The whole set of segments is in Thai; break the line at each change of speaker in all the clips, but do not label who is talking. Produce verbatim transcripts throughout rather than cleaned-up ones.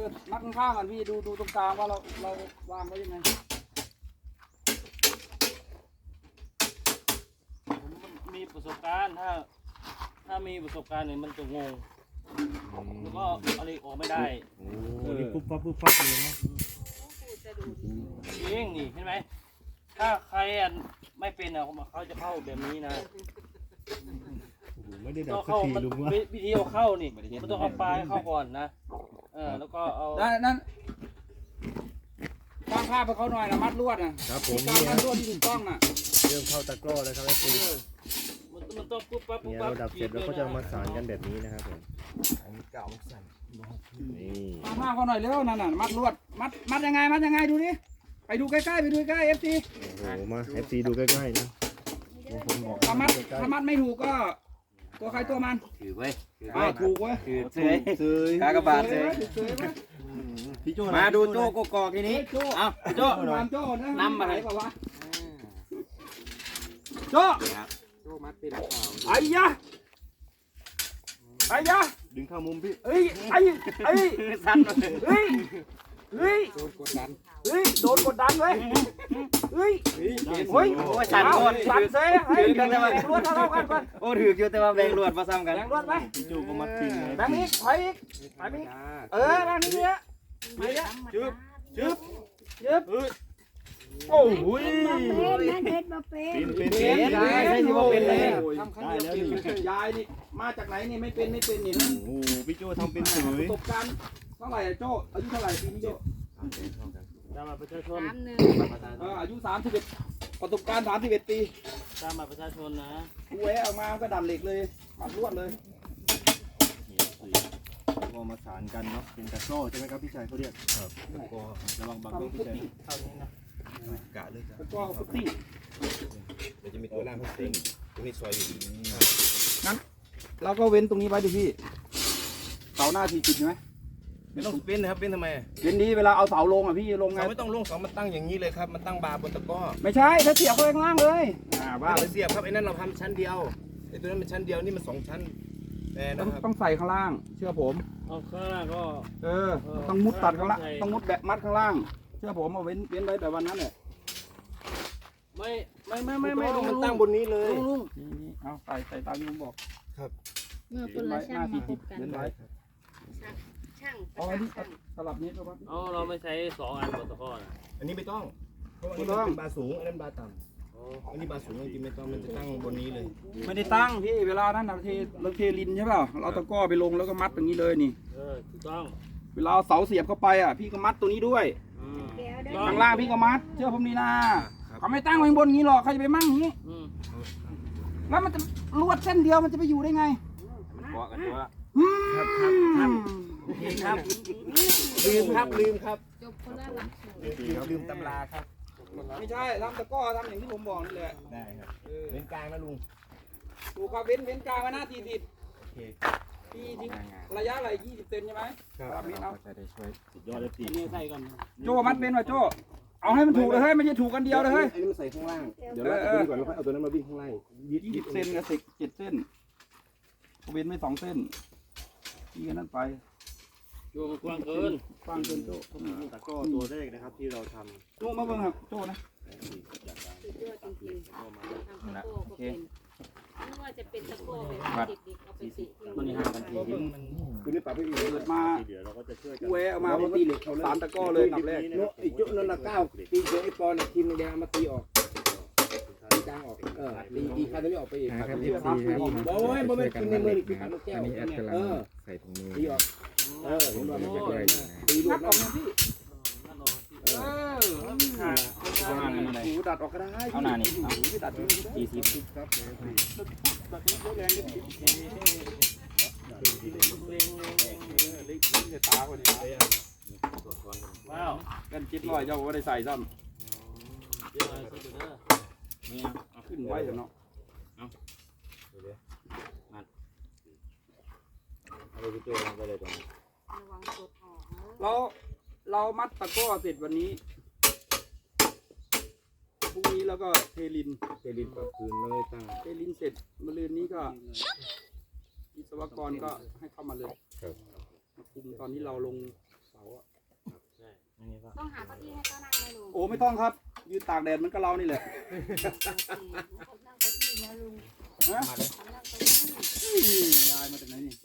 อมัดข้างๆกันพี่ดูดูตรงกลางว่าเราเราวางไว้ยังไง
ผมมีประสบการณ์ถ้าถ้ามีประสบการณ์เนี่ยมันจะงงแล้วก็อะไรออกไม่ได้
โอ้นี่ปุ๊บปั๊บปุ๊บปั๊บเลยนะ
จริงนี่เห็นไหมถ้าใครไม่เป็นอ่ะเขาจะเข้าแบบนี้นะ
โอ้โหไม่ได้ดั
ต้
บ
อง
สัก
เข้า
ที
มัน
ลุงวะ
วิธีเอาเข้านี่มันต้องเอาปลายเข้าก่อนนะเออแล้วก็เอา
นั่นนั่นวางผ้าไปเขาหน่อยนะมัดลวดนะครับ
ผม
การ
นี่
มั
ฮะ
ดลวดที่ถูกต้องน่ะ
เริ่มเข้าตะกร้อแล้วครับไอ้ตี
มันมันต้องปุ๊บปั๊บปุ๊บ
เนี่ย
ปั๊บ
เราดับเสร็จแล้วก็จะมาสานกันแบบนี้นะครับผมนี่
วางผ้าเขาหน่อยเร็วนั่นน่ะมัดลวดมัดมัดยังไงมัดยังไงดูดิไปดูใกล้ๆไปดูใกล้เอฟซี
โอ้โหมา เอฟ ซี ดูใกล้ๆนะผมบอก
ถ้ามัด
ใกล้
ถ้ามัดไม่ถูกก็ ตัวใครตัวมัน
ถือไว้ถือ
อ้า
ไว้
วถูกเว้ย
ถือเสย
เสย
กากบาทเสย
เสยเว้ย
พี่โจ้
มาดูโจ้กกอกทีนี้
โจ้
เอาโจ้
นามโจ้นะ
นำมาเลย
ไหนบอกว่าโจ้
โจ้มัดเป็นหรือเปล่า
ไอ้ยะไอ้ยะ
ดึงเข้ามุมพี่
เอ้ยไอ้ไอ้
สั้นมาเลย
เฮ้ยเฮ้ย
โดนกดดัน
เฮ้ยโดนกดดันเลยเฮ้ย
เฮ้ย
เฮ้ย
โอ้สั่น
เอา
ก่อน
สั่นเซ่เฮ้ย
ถือกันแต่ว่า
แบ่งรวดเท่าๆกันก่อน
โอ้ถืออยู่แต่ว่าแบ่งรวดมาซ้ำกัน
แบ่งรวดไป
พี่โจ้ก็มัดพิงเลย
แบ่งอีกถอยอีกถอยไปอีกเออแบ่งนี้เนี่ยไปเนี่ย
จึ๊บจึ๊บ
ยึบโอ้โห
นั่นเด็ดมาเป็น
เป็นเป็น
เป็
เป็น น
ยายได้ที่ว่าเป็นเลยทำครั้งเดียวเป็นยายนี่มาจากไหนนี่ไม่เป็นไม่เป็นนี่นะ
โอ้โหพี่โจ้ทำเป็นเฉย
ประสบการณ์เท่าไหร่อะโจ้อายุเท่าไหร่ปีนี้โจ้
ตามบัตรประชาชน
สามหนึ่ง
เอออายุสามสิบเอ็ดประสบการณ์สามสิบเอ็ดปี
ตามบัตรประชาชนนะ
กูแหวะออกมาก็ดันเหล็กเลยมัดลวดเลย
ก็มาสานกันเนาะเป็นตะกร้อใช่ไหมครับพี่ชายเขาเรียกครับตะกร้อระวังบังด้วยพี่ชาย
เท่านี้นะ
กะเลยครับ
แล้วก็ฟุตติ้ง
เดี๋ยวจะมีตัวล่างเขาเต็งตรงนี้ซอยอยู่
เราก็เว้นตรงนี้ไว้ดิพี่เสาหน้าทีจิตใช่ไหม
ไม่ต้องเป็นนะครับเป็นทำไม
เว้นดีเวลาเอาเสาลงอ่ะพี่ลงไง
เสาไม่ต้องลงเสามันตั้งอย่างนี้เลยครับมันตั้งบาร์บนตะกร้อ
ไม่ใช่ถ้าเสียบเข้าไปข้างล่างเลยอ่า
ไม่
บ้า
ต้องเสียบครับไอ้นั่นเราทำชั้นเดียวไอ้ตัวนั้นเป็นชั้นเดียวนี่มันสองชั้นแต่
ต้อง
นะครับ
ต้องใส่ข้างล่าง เชื่อผม
เอาข้างล่างก็
เออต้องมุดตัดข้างล่างต้องมุดแบบมัดข้างล่าง เชื่อผมเอาเว้นเว้นไว้แบบวันนั้นแหละ
ไม่ไม่ไม่ไม่ไม่
มันตั้งบนนี้เลย
ลุงลุง
นี่นี่เอาใส่ใส่ตามที่ผมบอก
เมื่อค
เว้
น
น
ละ
ไว้ห
ช่า
น้าง ที
มาพ
จิต
บกัน
เว้นไว้
ช่างป
เอา
ระ
อันนี้
จำช่าง
สลับนี้ครับ
เอาเราไม่ใช้สองอันบนตะกร้อนะ
อันนี้ไม่ต้องเพราะว่าอันนี้มันเป็นบาร์สูงอันนั้นบาร์ต่ำอันนี้บาร์สูงจริงๆไม่ต้องมันจะตั้งบนนี้เลย
ไม่ได้ตั้งพี่เวลานั้นเราเทเราเทลินใช่เปล่าเราเอาตะกร้อไปลงแล้วก็มัดตรงนี้เลยนี่
เออถูกต้อง
เวลาเอาเสาเสียบเข้าไปอ่ะพี่ก็มัดตัวนี้ด้วย
อืม
แก้วได้
ข้างล่างพี่ก็มัด เชื่อผมนี่นะเขาไม่ตั้งไว้บนนี้หรอกใครจะไปมั่งอย่างนี้
อืม
แล้วมันจะลวดเส้นเดียวมันจะไปอยู่ได้ไง
เกาะกันตัว
อืม
ครับครับครับ โอเคครับลืมครับลืมครับ
จบคนละหลักสูตร
ลืมลืมตำราครับ
ไม่ใช่ทำตะกร้อทำอย่างที่ผมบอกนี่แหละ
ได้ครับ
เออ
เป็นกลางนะลุง
ถูกครับเว้นเว้นกลางไว้หน้าทีสิบ
โอเค
พี่ทิ้งระยะอะไรยี่สิบเซนใช่ไหม
ครับ
ตามนี้เอา
จะได้ช่วย
สุดยอดเลยตี
นี่ใส่ก่อน
โจมัดเป็นว่ะโจเอาให้มันถูกเลยเฮ้ยไม่ใช่ถูกกันเดียวเลยเฮ้ย
อันนี้มันใส่ข้างล่าง เดี๋ยวเราเอาตัวนี้ก่อนแล้วค่อยเอาตัวนั้นมาวิ่งข้างล่างยิด
ยี่
ยิ
สิ
ด
บเซนกับสิบเจ็ดเส้นเว้นไม่สองเส้นพี่กันนั่นไป
โยมกว้างเกิน
ฟังเกินโจ
ตะกร้อตัวแรกนะครับที่เราท
โจมาเบิ่งครับโจนะ
สุดยอดจริงๆทำตะโก้ก็เป็นไม่ว่าจะเป็นตะโก้แบบเด็กๆเอาไปติที่
มันห่างกันที
ำคือนี่ปรับให้อีก
เกิดมา
เดี๋ยวเราก็จะช่วยกัน
กูแหวะออกมาพอตีเหล็กสามตะกร้อเลยหนับแรก
โน้ไอ้จุนั่นละเก้าตีเจอไอ้ปอนทีมแดงมาตีออกตีจางออกเออตีตีคันนี้ออกไปอีกคันนี้ออกโอ้ยบ่แม่นกินในมือนี่คือขันลูกแก้วเออ
ใส่ถุงมือ
ตีออกเออผมบอกมันจะ
ด้วยนะ
ตีดู
นั
ด
บออกนะพี่
นั่นรอ
เออหูดัดออกก็ได้เอาหน้านี่เอาพี่ดัดดูได้
สี่สิบครับ
ดัดนี้เยอะแรงนิดเดียวเล็กๆจะตาคนนี้
ว้าว
กันจิตลอยเจ้าก็ได้ใส่ซ้
เดี๋ยวเอาใส่เด้อ
ำขึ้นไว้เนาะ
เอาไปเจอไปเลยตรงนี้
ระวังกดออกนะ
เราเรามัดตะกร้อเสร็จวันนี้พรุ่งนี้แล้วก็เทลิน
เจลินก็คืนเลยตั้ง
เทลินเสร็จมะรืนนี้ก็วิศวกรก็ให้เข้ามาเลยมาคุมตอนที่เราลงเสา
ต้องหาเก้าอี้ให้เขานั่งไหมลุง
โอ้ไม่ต้องครับยืนตากแดดมันก็เรานี่แหละ
นั่งเก้าอี้นะลุง
ฮะ
นั่งเก้าอี้
ยายมาจากไหนนี่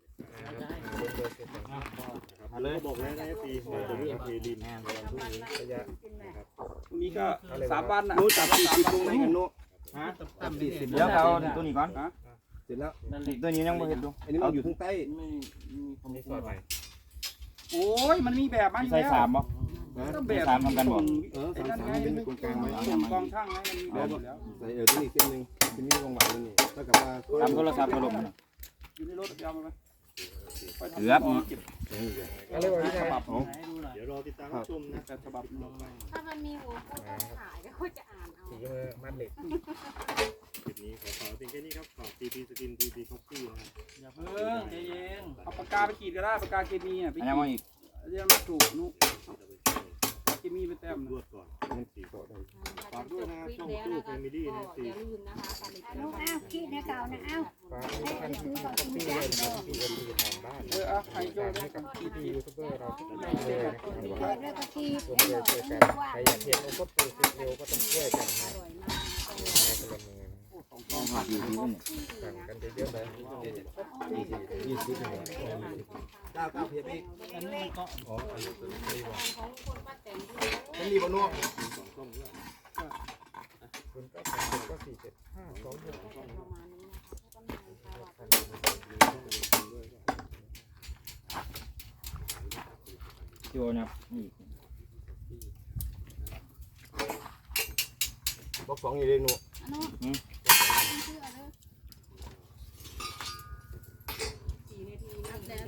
มาเลยบอกแล้วนะปีจะเรื่องเทดิน
ระยะ
ตรงนี้ก็สามวันนะ
นู้จับสี่สิบลงไหนกันนู้
ฮะ
จับสี่สิบ
เดี๋ยวเอาตัวนี้ก่อน
เสร็จแล้ว
นั่นเหล็ก
ตัวนี้ยังไม่เห็นดู
อันนี้มันอยู่ข้างใต้
ไม่มีคอมพิวเตอร์
โอ้ยมันมีแบบมันอยู่แล้ว
ใส่สามบ่
ก็แบบ
สามทำกันบ่
เออสามสามเป็นตรงกลางไว้
ส่งกองช่างไงมันมีแบบอยู่แล้ว
ใส่เออที่นี่เส้นหนึ่งที่นี่วงหวานนี่เท่ากับว่า
ตามโทรศัพท์ก็ลง
อยู่ในรถไปเอามาไหม
เกือบ
อะไรวะพี่ชาย
ฉบับ
อ๋อ
ไหนดูหน่อย
เดี๋ยวรอติดตามชมนะ
แต่ฉบับลงไป
ถ้ามันมีหัวก็ต้องถ่ายแล้วก็จะอ่านเอา
สีมือมัดเหล็กคลิปนี้ขอขอเพียงแค่นี้ครับฝากทีพีสกินทีพีคอฟฟี่นะครับ
อย่าเพิ่งใจเย็น
เอาปากกาไปขีดก็ได้ปากกาเคมีอ่ะไป
อัน
ขี
นี้
ด
มาอีก
เรียกมาถูกนุเคมีไปแต้ม
รวดก่อนมันสีโตได้
ฝากด้วยนะครับช่องตู้แฟมิลี่นะอย่าลืมนะคะผลิตภัณฑ์
อ้าวขี้นะเก่านะอ้าว
ฝากให้ท่านซื้อของพี่ด้วยนะครับพี่เอ็มดีทางบ้าน
เออเอาใครโจ้ได้
ให้กับพี่พียูทูบเบอร์เราทุกท่าน
เ
เลยนะครับ
กิดแล้วก็ขี้
ร่วม
แล้ว
ด้วย
บอก
ช่วย
ให้
กัน
ว่า
ใครอยากเห็นโอ้ก็ปูสิเร็วก็ต้องช่วยกัน
อ
นะ
ร่อยมาก
แม่คนละมือ
ต้องหักอยู่ที่นี่
สั่งกันเยอะๆเลยยี่สิบยี่สิบหน่อยเก้าเก้าเพียบอีก
อันนี้ก็
อ๋ออันนี้ตัวนี้บอก
ของคนป้าแตน
มันรีบนวกคุณก็สามสิบก็สี่เจ็ดห้าสองหก
ประมาณนี้นะคะ
โจนะนี่
บอกสองอยู่เลยหนู
อันนู้นชื่ออะไรสี่นาทีนับแล้ว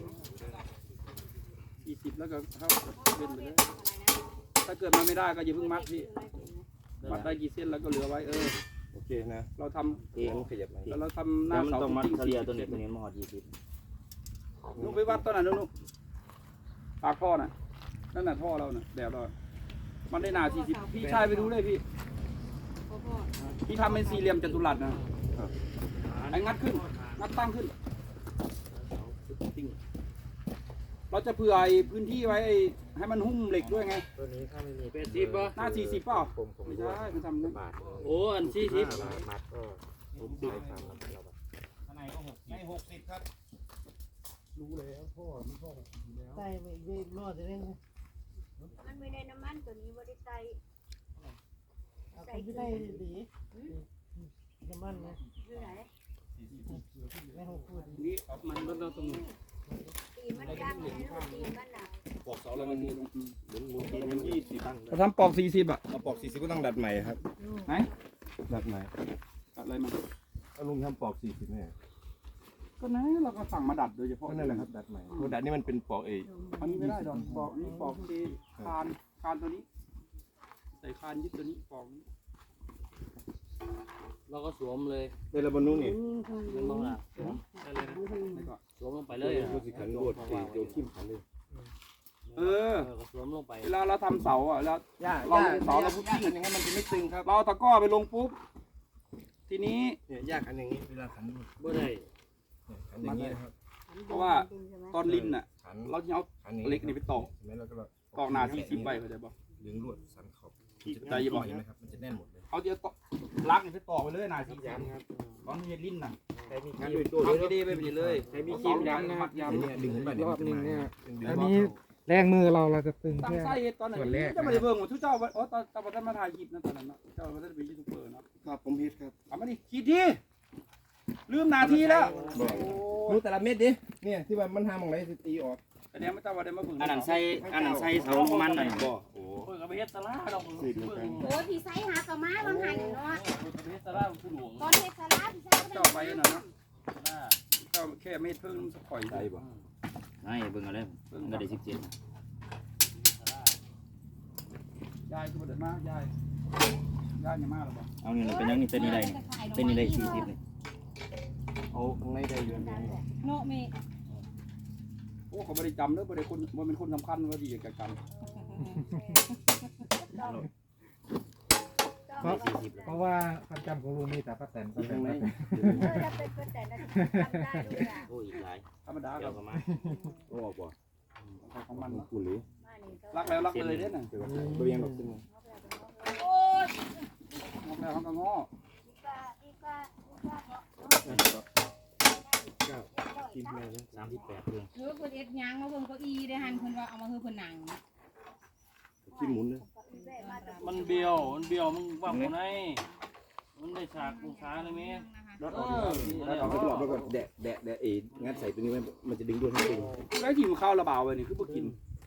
ยี่สิบแล้วก็เข้าเป็นไปเลยถ้าเกิดมาไม่ได้ก็อย่าเพิ่งมัดพี่มัดได้กี่เส้นแล้วก็เหลือไว้เออ
โอเคนะ
เราท
เองขยับไหน
ำแล้วเราทำห
แล้
น้าว
มัน
เสา
ต้องมัด
จริง
เฉลี่ยตัวนี้ตัวนี้มาหอดยี่สิบ
ลูกไปวัดต้นไหนลูกปากท่อน่ะนั่นน่ะท่อเราน่ะแบบเรามันได้หนาสี่สิบพี่ชายไปดูเลยพี่พี่ทำเป็นสี่เหลี่ยมจัตุรัสนะไอ้งัดขึ้นงัดตั้งขึ้นเราจะเผื่อไอ้พื้นที่ไว้ให้มันหุ้มเหล็กด้วยไง
ตัวนี้ถ้าไม่มี
แปดสิบป่ะ
หน้าสี่สิบเปล่า
ผมผม
ไม่ใช่มันทำงั้น
บาท
โอ้อันสี่สิบ
ห้าบาทมัดก็ผมติดตามเราแบบ
ข้างในก็หกสิบ
หกสิบครับรู้แล้วพ่อมันพ่อแล้ว
ใส่ไม่ได้รอดเลยมันไม่ได้น้ำมันตัวนี้ว่าได้ใส่ใส่ได้ดีน้ำมันนะอยู่ไหนไม่หกพูด
นี่มันมันต้องตรงนี้
ตีมันดังเลยลูกตีมันหนาว
ปอกเสาแล้วมันหมุนหมุนหมุนทีมันยี่สิบตั้ง
เราทำปอกสี่สิบอ่ะ
เอาปอกสี่สิบก็ต้องดัดใหม่ครับ
ไหน
ดัดใหม่
อะไรมัน
เอาลุงทำปอกสี่สิบเนี่ย
ก็นั้นเราก็สั่งมาดัดโดยเฉพาะ
ก็นั่นแหละครับดัดใหม่เพราะดัดนี่มันเป็นปอกเอ
อันนี้ไม่ได้ดอกปอกนี่ปอกที่คานคานตัวนี้ ใส่คานยึดตัวนี้ปอกนี้
เราก็สวมเลย
ในระบบนู้นนี่
มันบ้างล่ะได้เลยนะ
แล้วก็
สวมลงไปเลยอ่ะ
ดูสิขันรวดเอโยคิมขันเลย
เออ
ก็สวมลงไป
เวลาเราทำเสาอ่ะแล้ว
ย่า
เราเสาเราพุทธิ่ง
อย่างนั้นมันจะไม่ตึงครับ
เราเอาตะกร้อไปลงปุ๊บ ทีนี้
เนี่ยยากขันอย่างนี้เวลาขัน
บ่ได้
ขันอย่างนี้นะครับ
เพราะว่าตอนลิ้นอ่ะ
ขัน
เราจะเอา
ขัน
เหล็กนี่ไปตอก
ใช่ไหมแล้วก็
ตอกหนาสี่สิบใบเข้าใจป่ะ
ดึงลวดสันขอบ
ใจเย็น
เห็นไหมครับมันจะแน่นหมดเลย
เอาเดี๋ยวตอกลักนี่ไปตอกไปเลยหนาสี่สิบ
ครับ
ตอนนี้ลิ้นน่ะ
ใช้มี
ท
คีบ
ำดีๆไปไปเลย
ใช้มีคีบย้ำนะครับ
ย้
เนี่ยดึงขึ้นไปรอบนึงเนี่ย
อันนี้แรงมือเราเราจะตึง
ำตั้ง
แค่
ไส้ตอนไหน
ส่วนแรก
จะไม่ได้เบิ่งว่าทุกเจ้าโอ้ตอนตอนท่านมาถ่ายคลิปนะตอนนั้นนะเจ้ามาได้เป็นยูทูบเบอร์เนาะ
ครับผมฮิตครับ
เอามาดิคิดทีลืมนาทีแล้วโอ้
ดูแต่ละเม็ดดิเนี่ยที่ว่ามันทำของไรสิตีออก
อันนี้ไม่ต้องว่าได้มาเบิ่ง
อันนั้นใส่อันนั้นใส่เสาลงมันน่ะ
บ่โอ้
เพิ่งเอาไปเฮ็ดตลาดดอกเพิ่ง
โอ้ยพี่ไซหากระม้าบางหันเนาะ
เอาไปเฮ็ดตลาดผู้หลวง
ตอนเทศลาพี่ไซก็
เจ้าไป
ได้
น่ะเนาะ
ตลาด
เจ้าแค่เม็ดเพิ่งสักข่อย
ใจบ่
ให้เบิ่งเอาเลยมันก็ได้สิบเจ็ด
ยายคือบ่ได้มายายยายยังมาหรอบ่
เอานี่เป็นยังนี่ตัวนี้ได้นี่ตัวนี้ได้สี่สิบเลย
เอาข้างในได้เยอะ
โนเม
โอ้เขาบ่ได้จำเด้อบ่ได้คนบ่เป็นคนสำคัญว่าดีกับกัน
เพราะเพราะว่าความจำของลุงมีแต่ป้าแตนป้าแต
ข้าน งใน
ป้าแตน
เออถ้าเป็นคนแต่ละทำได้ด้วยอ่ะ
โอ้อีกหลาย
ธรรมดาค
เกี่
รั
ย
บ
วกับมา
โอ้บ่
ของมัน
คุณหรือ
รักแล้วรักเลยเด้อน่ะ
เดี๋ยวตัวเองแบบขึ้นมา
รักแล้วเขาก็ง้อ
เก้ากินแม่สามสิบแปดเรื่อง
หรือว่าเพิ่นเอ็ดหยังมาเบิ่งเก้าอี้ได้หันเพิ่นว่าเอามาคือเพิ่นนั่ง
กินหมุนเลย
มันเบี้ยวมันเบี้ยวมึงว่าคนไหนมันได้ฉากองศาเลยมั้ย
รถออกรถออกไปตลอดแล้วก็แดะแดะแดะเองงัดใส่ตัวนี้มันมันจะดึงด้วยให้ดึง
ได้กินข้าวระเบาไปนี่คือบ่กิน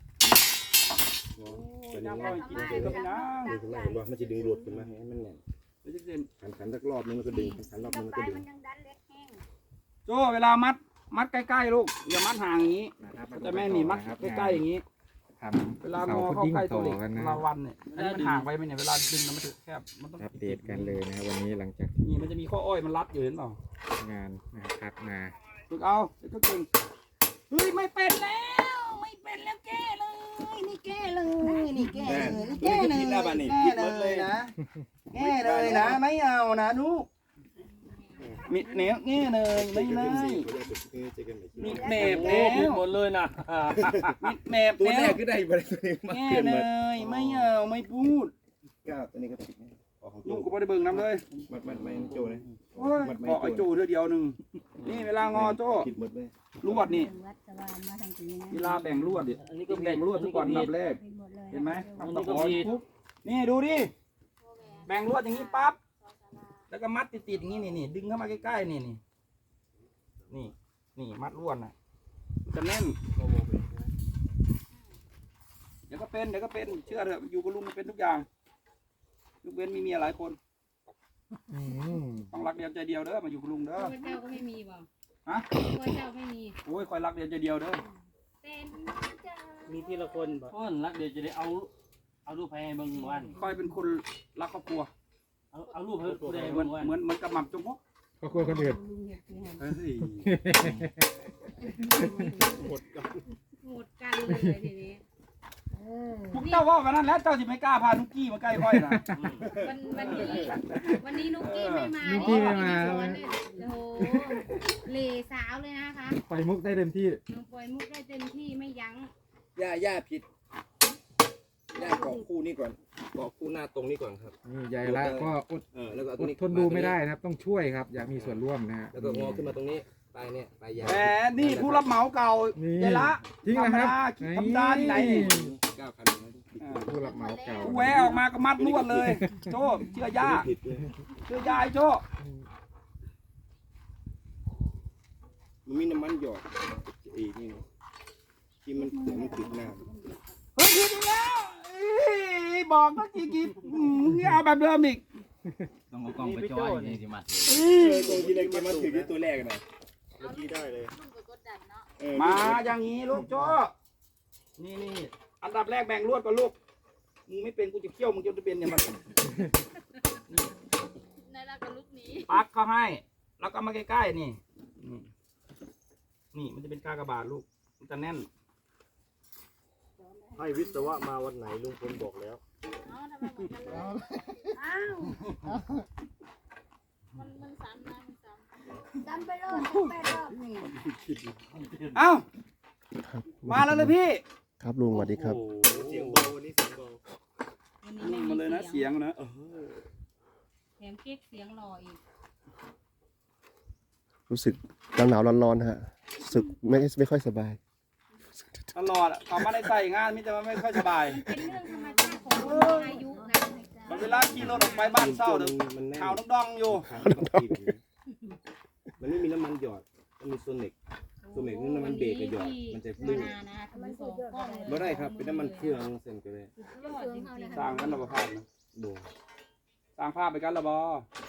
ตัว
ย่าง
นี้
ก็กินเสร็จก็ไปนั่ง
ดึงขึ้นมาเห็นว่ามันจะดึงรวดขึ้นมาให้มันแน่น
ไม่ใช่เด่น
ขันขันสักรอบนึงมันก็ดึงขันรอบนึงมันก็ดึง
โจ้เวลามัดมัดใกล้ๆลูกอย่ามัดห่างอย่างนี้แต่แม่นี่มัดใกล้ๆอย่างนี้
ทำ
เวลางอเข้าใกล้ตัวเหล็กเวลาวันเนี่ยอันนี้มันห่างไปไหมเนี่ยเวลาดึงมันจะแคบมันต้อง
อัปเดตกันเลยนะครับวันนี้หลังจาก
นี่มันจะมีข้ออ้อยมันรัดอยู่เห็นเปล่าง
านนะครับพักมา
ฝึกเอาเดี๋ยวก็เก่งเฮ้ยไม่เป็นแล้วไม่เป็นแล้วแก้เลยนี่แก้เลยนี่แก้เลยนี่แก้เลยแก้เลยนะแก้เลยนะไม่เอานะลูกมิดเนี้ยแก้เลยไม่ได้มิดเมบ
โอ้
แล้ว
ผิดหมดเลยนะ
มิดเมบ
ตัว
แล้
แร
ว
กก็ได้ไปตัวนี้มา
แก้
เกิน
เล
มาย
ไม่เอาไม่พูด
เก้าตัวนี้ก็ผิดออกของ
ลู
โจ้
กก็ไม่ได้เบิ่งน้ำเลย
มัดมัดไม่โจ้เลย
โอ้ยบอกไอ้โจ้เธอเดียวหนึ่งนี่เวลางอโจ้
ผิดหมดเลย
ลวดนี่
วัดสวานมาทางนี้นะ
เวลาแบ่งลวดดิ
อันนี้ก็
แบ่งลวดทุกวันอันดับแรก
เป็นหมดเลย
เห็นไหม
อัน
ทำตะ
นี้
ข
ก็
อ
ผิด
ปุ๊บนี่ดูดิแบ่งลวดอย่างนี้ปั๊บแล้วก็มัดติดๆอย่างนี้นี่นี่ดึงเข้ามาใกล้ๆนี่นี่นี่นี่มัดลวดน่ะมันจะแน่นเดี๋ยวก็เป็นเดี๋ยวก็เป็นเชื่อเถอะอยู่กับลุงมันเป็นทุกอย่างยกเว้นมีเมียหลายคน
อืม
ต้องรักเดียวใจเดียวเด้อมาอยู่กับลุงเด้อ
พระเจ้าก็ไม่มีบ่
ฮะ
พระเจ้าไม่มี
โอ้ยคอยรักเดียวใจเดียวเด้อ
เป็น
มีทีละคนบ่เพิ่นรักเดี๋ยวจะได้เอาเอารูปให้เบิ่งวัน
คอยเป็นคนรักครอบครัว
เอาเอารูปให้ผู้ใด
เหมื
เบิ่
อน
งวัน
เหมือนเหมือนกับหม่ำจงมก
ก็ควรคนอื่น
ลุงเห็ดคือหัน
เฮ้ย
หมดกัน
หมดกันเลยทีนี้
พวกเจ้าว่ากันนั้นแล้วเจ้าสิไม่กล้าพานุกกี้มาใกล้ค่อยนะ
วันวันนี้วันนี้นุกกี้ไม่มา
นุกกี้ไม่มา
โอ้โหเหล่สาวเลยนะคะ
ไปมุกได้เต็มที่
น้องปล่อยมุกได้เต็มที่ไม่ยั้ง
ย่าย่าผิดย่าเกาะคู่นี้ก่อนเกาะคู่หน้าตรงนี้ก่อนครับ
นี่ยายละก็อด
เออแล้วก็เอา
อ
ตัว
ด
นี้
ทนดูไม่ได้นะครับ ต้องช่วยครับ อยากมีส่วนร่วมนะฮะ
แล้วก็งอขึ้นมาตรงนี้ปลายเนี่ยปลายยาว
แหมนี่ผู้รับเหมาเก่า
นี่
เจละ
จริงนะครับ
ธรรมดาที่ไหนนี่
เก้าคัน
อ่า
ผู้รับเหมาเก่า
แหวะออกมาก็มัดลวดเลย โจ้เชื่อย่า
ผิดเลย
เชื่อย่าไอ้โจ้
มันมีน้ำมันหยอดอีกนี่ที่มันเสียมันติดหน้า
เฮ้ยผิดอีกแล้วเอ้ยบอกตั้งกี่กี่อืมมึงนี่เอาแบบเดิมอีก
ต้องเอากล้องไปจ่อยนี่สิมา
เอ้
เอย อตรงที่เลยเกมมันถือที่ตัวแรกนะเมื่อกี้ได้เลย
ลุงไปกดดันเนาะ
เออ
มาอย่างนี้ลูกโจ้นี่นี่อันดับแรกแบ่งลวดก่อนลูกมึงไม่เป็นกูจะเคี่ยวมึงจะเป็นเนี่ยมัน
ในรักกับลูกนี้
ปักเข้าให้ แล้วก็มาใกล้ๆนี่นี่นี่มันจะเป็นกากบาทลูกมันจะแน่น
ให้วิศวะมาวันไหนลุงพลบอกแล้ว
เอ้าทำไมเหมือนกันเลยอ้าวมันมันซ้ำนะมันซ้ำซ้ำไปรอบซ้ำไปรอบนี่
เอ้ามาแล้วเลยพี่
ครับลุงสวัสดีครับ
เสียงเบาวันนี้เสียงเบา
วันนี้ไม่
มาเลยนะ
มี
เสียงนะ
แถมเก๊กเสียงหล่ออีก
รู้สึกหนาวหนาวร้อนร้อนๆฮะรู้สึกไม่ไม่ค่อยสบาย
ตลอดอะกลับมาในใส่งานมิจะไม่ค่อยสบาย
เป็นเรื่องธรรมชาติของคนมีอายุนะ
มันเวลาขี่รถออกไปบ้านเศร้าเดี๋ยว
มันแน่น
ข่าวดองๆอยู่
มันไม่มีน้ำมันหยอดมันมีโซนิกโซนิกนี่น้ำมันเบรกกับหยอดมันจะ
มา
ลื่น
นานะทำมันสองก้อนเลย
ไม่ได้ครับเป็นน้ำมันเครื่องเส้นก็ได้
ยอดจริงๆ
สร้างกันระบภาพนะ
โด
สร้างภาพไปกันระบอ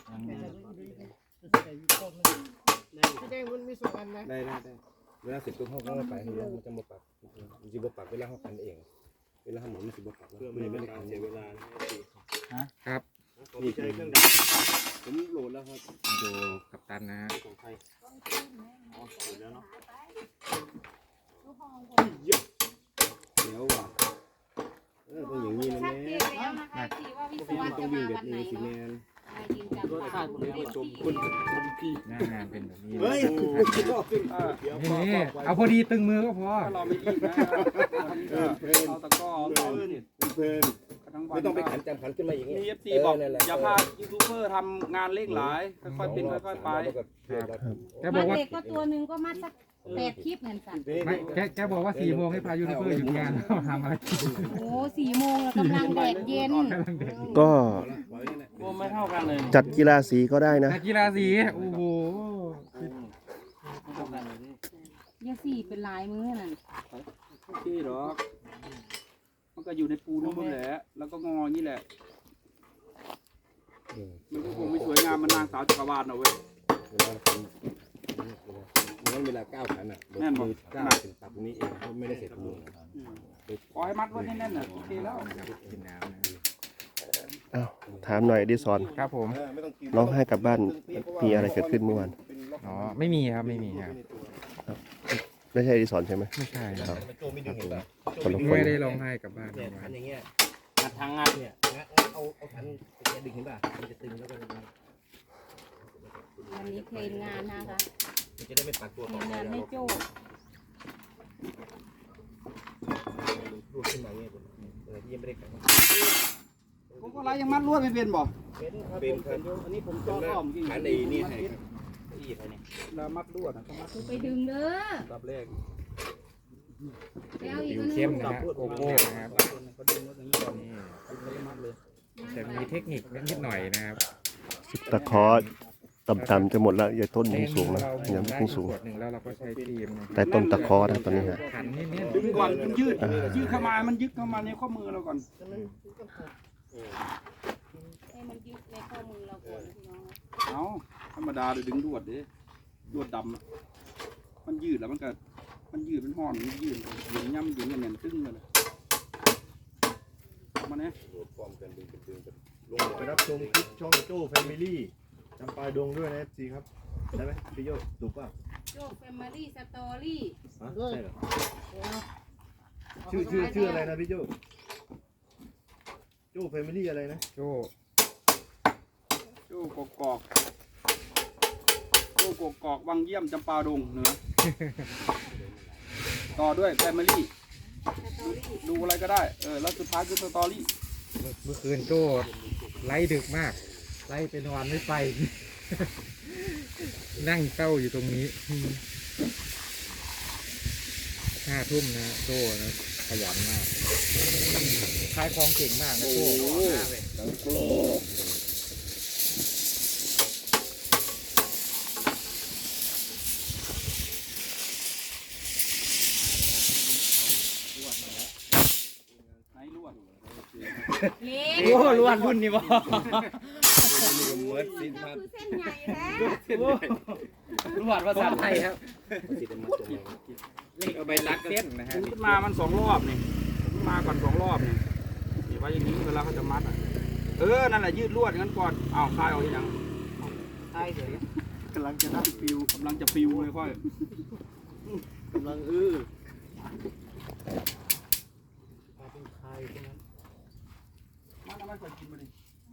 แสดงมันมีสองอันนะ
ได้ได้ได้เวลาเสร็จตัวห้องก็ไปให้มันจะมาปักมันจะมาปักเวลาห้องกันเอง เวลาหมุนมันจะมาปักเพื่อไม่ให้การเสียเวลา
ครับ
นี่คือผมโหลดแล้วครับ
ดูกัปตันนะฮะ
ของใครอ๋อเสร็จแล้วเนาะ
เดี๋ยวว่ะเออต้องอย่างนี้นะ
ชัด
แม่
เจนแล้วนะคะที่ว่าวิศวะ
มันต้
จะ
องวิ่
มาง
แบ
วั
บ
นไหน
นี้สิ
เนาะ
แม่
ยืนจับ
รสชาติคนนี้
คุณ
คุณคุณพี่
หน้างานเป็นแบบนี้
เฮ้ย
เออ
นี่เอาพอดีตึงมือก็พอ
ถ้าเราไม่รีบนะเอาตะก้อเอาต่อเด็ด
เพลิน
ทั้งวัน
ไม่ต้องไปขันจำขันขึ้นมาอย่างนี้
มีเอฟซีบอกอย่าพายูทูบเบอร์ทำงานเร่งหลายค่อยๆเป็นค่อยๆไป
แกบ
มั
อก
ด
ว่า
เด็กก็ตัวหนึ่งก็มัดสักแปดคลิปเหมือนกัน
ไม่แกแกบอกว่าสี่โมงให้พายูทูบเบอร์หยุดงานแล้วทำอะไรกิน
โอ้สี่โมงแล้วกำลังแดดเย็น
ก็
โอ้ไม่เท่ากันเลย
จัดกีฬาสีก็ได้นะ
นักกีฬาสีโอ้โห
ไม่เท่ากันเลยนี่
ยาสี่เป็นลายมือนั่น
โอเคหรอมันก็อยู่ในปูนู่นแหละแล้วก็งออย่างนี้แหละมันก็คงไม่สวยงามมันนางสาวจักรวาลเอาเว้ย
งั้นเวลาก้าวขันอ่ะ
แน่นบ่
มือก้าวเป็นตับตรงนี้เองไม่ได้เสร็จมือ
ขอให้มัดไว้แน่นๆน่ะโอเคแล้ว
กินน้ำนะ
อ้าวถามหน่อยดิสอน
ครับผม
ร้องไห้กลับบ้านมีอะไรเกิดขึ้นเมื่อวาน
อ๋อไม่มีครับไม่มีครับ
ไม่ใช่ดิสอนใช่ไหม
ไม่ใช่ครับ
โจไม่ดึงเห็นป่ะ
คนละคน
ไม่ได้ร้องไห้กลับบ้าน
เนี่ย
เมื่อวา
ขั
น
นอย่างเงี้ย
งัดทางงัด
เนี่ยงั้นเอาเอาขันจะดึงเห็นป่ะมันจะตึงแล้วก็
วันนี้เทรนงานนะคะ
มันจะได้ไม่ปักตัว
เทรนงานให้โจ้
รูดขึ้นมาเงี้ยเออที่ยังไม่ได้ขัน
ผมก็ไล่ยังมัดลวดไม่เป็นบ่
เป็นครับเป็นครับ
อันนี้ผมจออ้อมจริง
ขันในนี่ให้ครับที่ให้นี่
แล้วมัดลวดนะต้องมัด
ไปดึงเด้อ
ดับแรก
ไปเอาอีก
ผิว
อันนึ
เข้ม
ง
นะฮะโกโก้นะครับ
เขาดึงรถอย่างนี้ก่อน
นี่
ดึงแล้วก็มัดเลย
จะมีเทคนิคนิดหน่อยนะครับ
ตะขอต่ำๆจะหมดแล้วอย่าต้นยังสูงนะ
เรา
ยัง
ได้
เพิ่งสูง
ขวดหนึ่งแล้วเราก็ใช้ครีมนะค
แต่
รับ
ต้นตะขอนะตอนนี้ฮะ
ขันนิด
ดึงก่อนมันยืดยืดเข้ามามันยึดเข้ามาในข้อมือเราก่อน
ให้มันยึดในข้อมือเราก่อนพี่น้อง
เอาธรรมดาเลยดึงลวดดิลวดดำอะมันยืดแล้วมันก็มันยืดเป็นห่อนมันยืดหยุ่งย่ำหยุ่งอย่างเงี้ยตึ้งเลยมาเนี่ย
ฟอร์มกันดึงเป็นดึงเป็นลง
ไปรับชมคลิปช่องโจ้แฟมิลี่จำปาดงด้วยนะเอฟซีครับได้ไหมพี่โยถูกป่ะ
โจ้แฟมิลี่สตอรี่
ฮะใช่เหรอชื่อชื่อชื่ออะไรนะพี่โจ้โจ้แฟมิลี่อะไรนะ
โจ้
โจ้กกอกโจ้กกอกวังเยี่ยมจำปาดงเหนือต่อด้วยแฟมิลี่ดูอะไรก็ได้เออแล้วสุดท้ายคือสตอรี่
เมื่อคืนโจ้ไล่ดึกมาก ไล่เป็นวันไม่ไป นั่งเศร้าอยู่ตรงนี้ห้าทุ่มนะโจ้นะขยันมากขายของเก่งมากนะโจ้
เล็ก
โอ้ล้วนรุ่นนี่บ่
เหมือนสิน
ก็
มา
คือเส้นใหญ่แท้
ล้วนภาษาไทยครับ
สินมาตรงนี้
เอาไปรักเส้นนะฮะ
ขึ้นมามันสองรอบนี่ขึ้นมาก่อนสองรอบนี่นี่ไว้อย่างนี้เวลาเขาจะมัดอ่ะเออนั่นแหละยืดลวดงั้นก่อนอ้าวคลายออกทีหลัง
ใช่เฉย
กำลังจะได้ฟิวกำลังจะฟิวเลยค่อย
กำลังอื้อ
มาทำไมค่อยกินมาดิ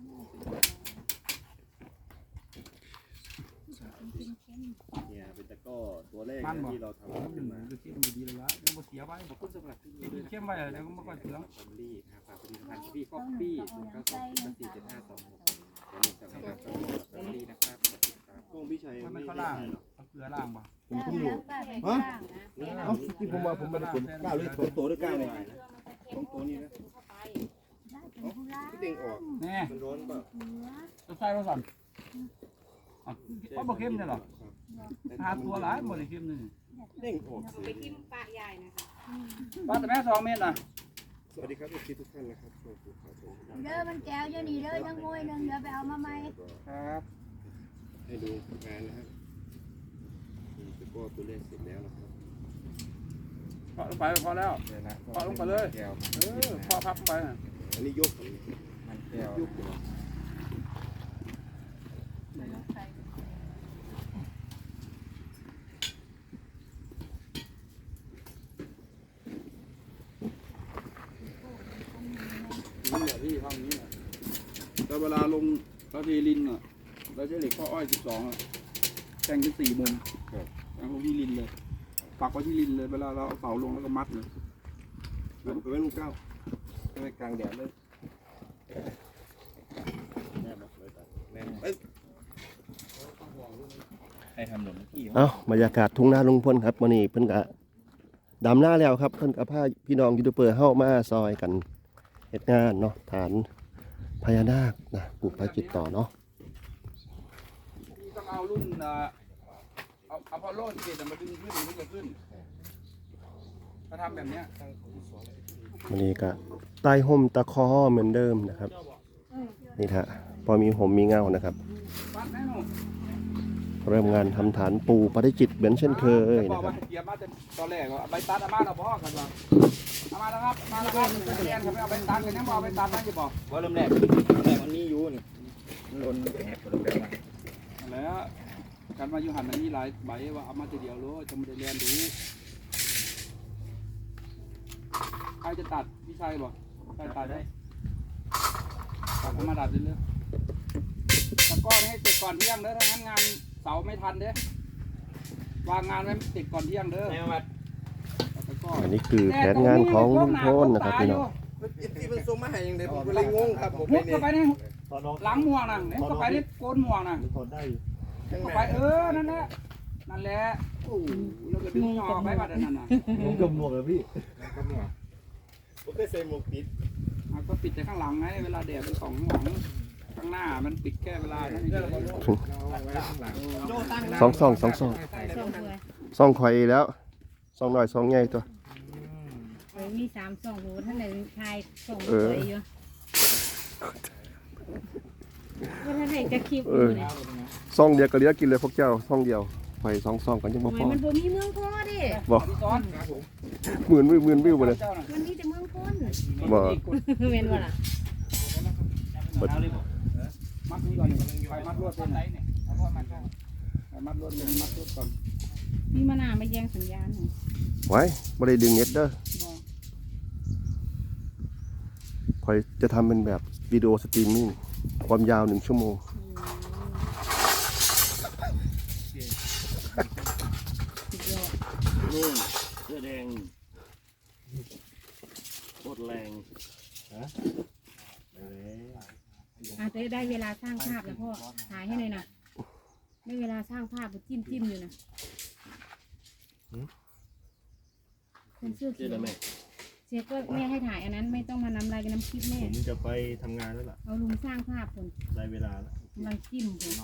เนี่ยเป็นตะก้อตัวแรก
มันบอก
ที่เราทำขึ้นมา
ดูที่มันดีเลยละมันบ่เสียไว้บอกคุณสำหรับที่เข้มไว้เดี๋ยวมันไม่ค่อยเสีย
แฟมิลี่นะครับฝากผลิตภัณฑ์พี่ก๊อปปี้ศูนย์เก้าสองศูนย์สี่เจ็ดห้าสองหกอย่าลืมสั่งนะครับแฟมิลี่นะครับขอบคุณครับ
กล้องพี่ชัย
มันไม่ข้าวล่างเอาเกลือล่างป่ะ
ผมเพิ่งรู้ฮะเอ้าที่ผมว่าผมไม่ได้ผลก้าวเลยสองตัวด้วยก้าวเลยสองตัวนี้นะที่เด้งออก
แน่
มันร้อนเปล่า
จะใส่มาสั่นอ่ะเพราะบ่เข้มเนี่ยหรอหาตัวหลายบ่ได้เข้มนี่
เด้งออก
ไปทิมปะใหญ่นะคะ
ป้าแต่แม่สองเมตรน่ะ
สวัสดีครับทุกท่านนะครับขอบคุณครับผม
เด้อมันแก้วจะหนีเด้อยังมวยนึงเดี๋ยวไปเอามาใหม่
ครับ
ให้ดูงานนะครับนี่ก็ตัวเลขเสร็จแล้วนะครับ
พอลงไปพอแล้ว
เดี๋ยวนะ
พอลงไปเลย
แก้ว
เออพอพับลงไปน่ะ
อันนี้ยก
มันแก้ว
นี่แหละพี่ทำอย่างนี้แหละแต่เวลาลงเราเทลินอ่ะเราใช้เหล็กข้ออ้อยสิบสองแทงเป็นสี่มุมแทงลงที่ลินเลยปักไว้ที่ลินเลยเวลาเราเอาเสาลงแล้วก็มัดเลย
ไปไว้ลูกเก้าไปกลางแดดเลย
ให้ทำหนุนพี่
เอ้าบรรยากาศทุ่งนาลุงพลครับวันนี้เพิ่นก็ดำหน้าแล้วครับเพิ่นก็พาพี่น้องยูทูบเบอร์เฮามาซอยกันเฮ็ดงานเนาะฐานพญานาคนะปลูกไปจิตต่อเนาะ
พี่ต้องเอารุ่นเอ่อเอาเอาพอลโล่เกตมาดึงขึ้นถึงจะขึ้นถ้าทำแบบเนี้ย
วันนี้ก็ใต้ห่มตะคอเหมือนเดิมนะครับนี่ฮะพอมีห่มมีเงานะครับ
ปัดแน่นอน
เริ่มงานทำฐานปูปฏิจิตเหมือนเช่นเคย
นะ
นะ
ค
ค
รั
รั
บบ เกียร์มาจะตอนแรกเอาใบตัดอามาเราพ่อกันว่าอามาแล้วครับมาแล้วครับเรียนเขาไม่เอาใบตัดกันยังบอกใบตัดนะจะบอก
ว่าเริ่มแรกเริ่มแรกมันมีอยู่นี่มันโดนแอบโดนแบบมา
แล้วการมาอยู่หันอันนี้หลายใบว่าเอามาทีเดียวรู้จะไม่ได้เรียนดูใครจะตัดพี่ชายบอกใครตัดได้ตัดเอามาตัดเรื่อยๆตะก้อนให้เสร็จก่อนเที่ยงเด้อถ้างั้นงานเสาไม่ทันเด้อวางงานไว้ติดก่อนเที่ยงเด้อตะก้อน
อันนี้คือแผนงานของลุงพลนะครับพี่น้อง
ที่มันส่งมาให้ยังไงผมก็เลยงงครับผม
มุดเข้าไปนี่
ตอนน้อง
หลังม่วงน่ะเนี่ยเข้าไปนี่โกนม่วงน่ะ
ถอดได้อยู่
เข้าไปเออนั่นแหละนั่นแหละโอ้เราก็ดึงออกไปบัดนั้นน่ะ
ผมกับหมวกเลยพี่
ผมเคยใส่หมวกปิด
อ่ะก็ปิดแต่ข้างหลังไงเวลาแดดมันส่องข้างหลังข้างหน้ามันปิดแค่เวลานั้นเฉย
สองซองสองซอง
สองถ้วย
ซองข่อยแล้วซองหน่อยซองใหญ่ตัว
เฮ้ยมีสามสองหูท่านไหนชายสอง
เอ
ถ้
อ
วยอยู่ว่าท่านไหนจะคลิป
เอ
อยู่
อ
เนี่ย
ซองเดียวก็เหลือกินเลยพวกเจ้าซองเดียวข่อยสองซองกันยังบ่
ทำไม
พอ
มันบ่มีเมืองพ้อดิ
บอก
ๆพี่ซ้อน
หมื่นวิวหมื่นวิวบ่เลย
เจ้าน่ะ
มันมีแต่เมืองพ้น
บ่
เมนว่าล่ะ
มัดนี่ก่อนไปมัดลวดเป็นไหนเนี่ยไปมัดลวดเลยมัดลวดก่อน
มีมะนาวมาแย่งสัญญาณหน่อย
ไว้บ่ได้ดึงเน็ตเด้อ
บอก
ข่อยจะทำเป็นแบบวิดีโอสตรีมมิ่งความยาวหนึ่งชั่วโมง
สุดยอด
นู่นเสื้อแดงโคตรแรง
อาจจะได้เวลาสร้างภาพแล้วพ่อถ่ายให้หน่อยนะได้เวลาสร้างภาพจิ้มจิ้มอยู่นะคนเสื้อ
เสื้
เขี
อ
ยว
ดำแม่
เสียก็แม่ให้ถ่ายอันนั้นไม่ต้องมานำลายกับน้ำคลิปแม่
ผมจะไปทำงานแล้วล่ะ
เอาลุงสร้างภาพคน
ได้เวลาแล้ว
กำลังจิ้มคน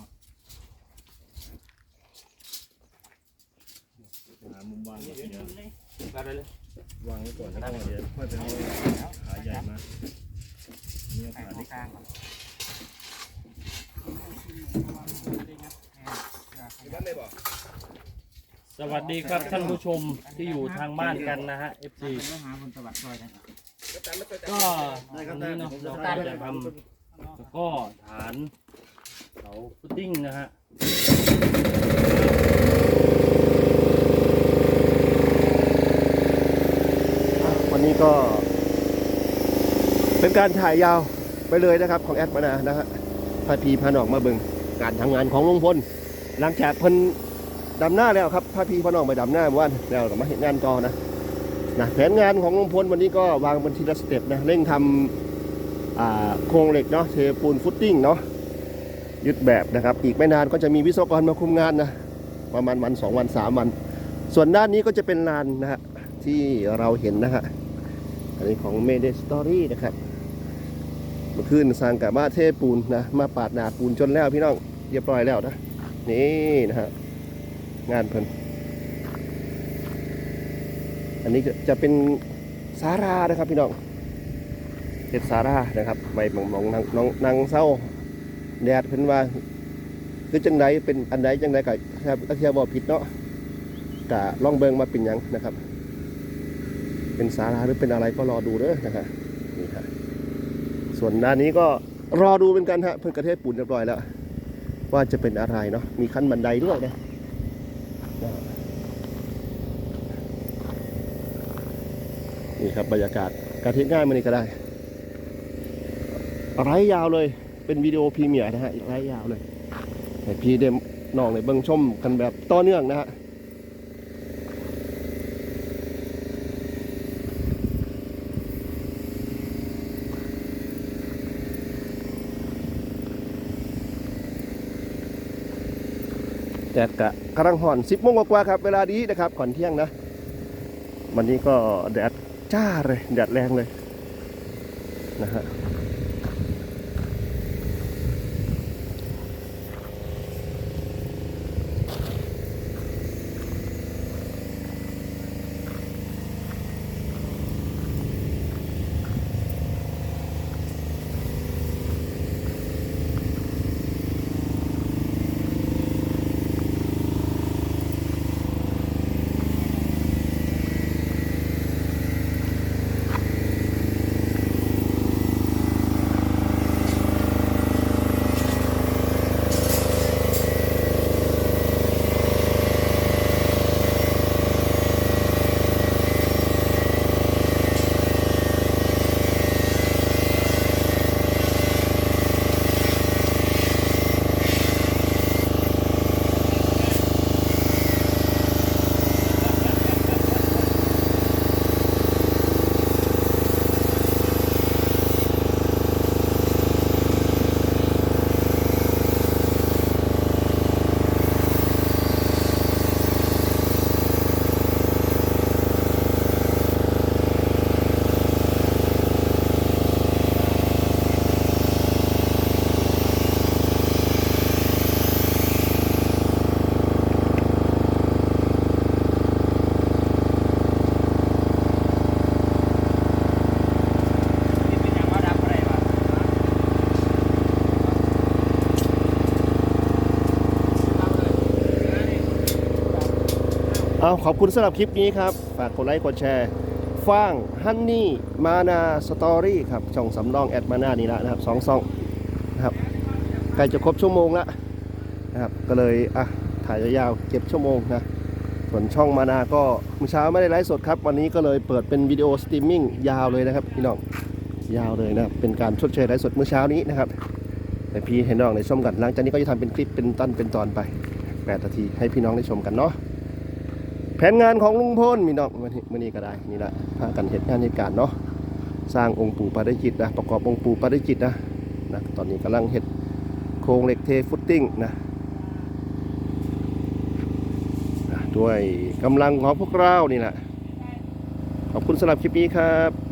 หามุมวางเดี๋ยว
ได้เลยว
างไว้ก่อนแล้วก็เดี๋ยวค่อยไปเอาขาใหญ่มานี่ขาเล็ก
สวัสดีครับท่านผู้ชมที่อยู่ทางบ้านกันนะฮะ เอฟ ซี ก็วันนี้เนาะเราก็จะทำแล้วก็ฐานเสาฟุตติ้งนะฮะ
วันนี้ก็เป็นการถ่ายยาวไปเลยนะครับของแอดมานานะฮะพาพีพาน้องมาเบิ่งการทำงานของลุงพลหลังจากเพิ่นดำหน้าแล้วครับพาพีพาน้องไปดำหน้าเมื่อวานแล้วก็มาเห็นงานต่อนะนะแผนงานของลุงพลวันนี้ก็วางเป็นทีละสเต็ปนะเร่งทำอ่าโครงเหล็กเนาะเทปูนฟุตติ้งเนาะยึดแบบนะครับอีกไม่นานก็จะมีวิศวกรมาคุมงานนะประมาณวันสองวันสามวันส่วนด้านนี้ก็จะเป็นลานนะฮะที่เราเห็นนะฮะอันนี้ของ Mayday Story นะครับเมื่อคืนสร้างกับบ้าเทปูนนะมาปาดหนาปูนจนแล้วพี่น้องเรียบร้อยแล้วนะนี่นะฮะงานเพิ่นอันนี้จะจะเป็นศาลานะครับพี่น้องเป็นศาลานะครับไว้มองมองนางน้องนางเศร้าแดดเพิ่นว่าคือจังไดเป็นอันใดจังไดก็ถ้าเทียบบ่ผิดเนาะกะลองเบิ่งมาเป็นหยังนะครับเป็นศาลาหรือเป็นอะไรก็รอดูเด้อนะครับนี่ครับส่วนด้านนี้ก็รอดูเป็นกันฮะเพิ่นกระเทศปูนเรียบร้อยแล้วว่าจะเป็นอะไรเนาะมีขั้นบันไดด้วยนะนี่ครับบรรยากาศการเทศง่ายมานี่ก็ได้ไร้ยาวเลยเป็นวิดีโอพรีเมียร์นะฮะไร้ยาวเลยให้พี่เดมน้องในเบิ่งชมกันแบบต่อเนื่องนะฮะแดดกะกำลังห่อนสิบโมงกว่าๆครับเวลานี้นะครับก่อนเที่ยงนะวันนี้ก็แดดจ้าเลยแดดแรงเลยนะฮะเอาขอบคุณสำหรับคลิปนี้ครับฝากกดไลค์กดแชร์ฟ้างฮันนี่มานาสตอรี่ครับช่องสำรองแอดมานานี่ละนะครับสองซองนะครับใกล้จะครบชั่วโมงแล้วนะครับก็เลยอ่ะถ่ายยาวๆเก็บชั่วโมงนะส่วนช่องมานาก็เมื่อเช้าไม่ได้ไลฟ์สดครับวันนี้ก็เลยเปิดเป็นวิดีโอสตรีมมิ่งยาวเลยนะครับพี่น้องยาวเลยนะครับเป็นการชดเชยไลฟ์สดเมื่อเช้านี้นะครับให้พี่ให้น้องได้ชมกันหลังจากนี้ก็จะทำเป็นคลิปเป็นตอนเป็นตอนไปแปดนาทีให้พี่น้องได้ชมกันเนาะแผนงานของลุงพลมีน้องมื่อนี้ก็ได้นี่แหละพากันเหตุงานเหตุการณ์เนาะสร้างองค์ปู่ปาริจิตนะประกอบองค์ปู่ปาริจิตนะนะตอนนี้กำลังเหตุโครงเหล็กเทฟุตติ้งนะด้วยกำลังของพวกเรานี่แหละขอบคุณสำหรับคลิปนี้ครับ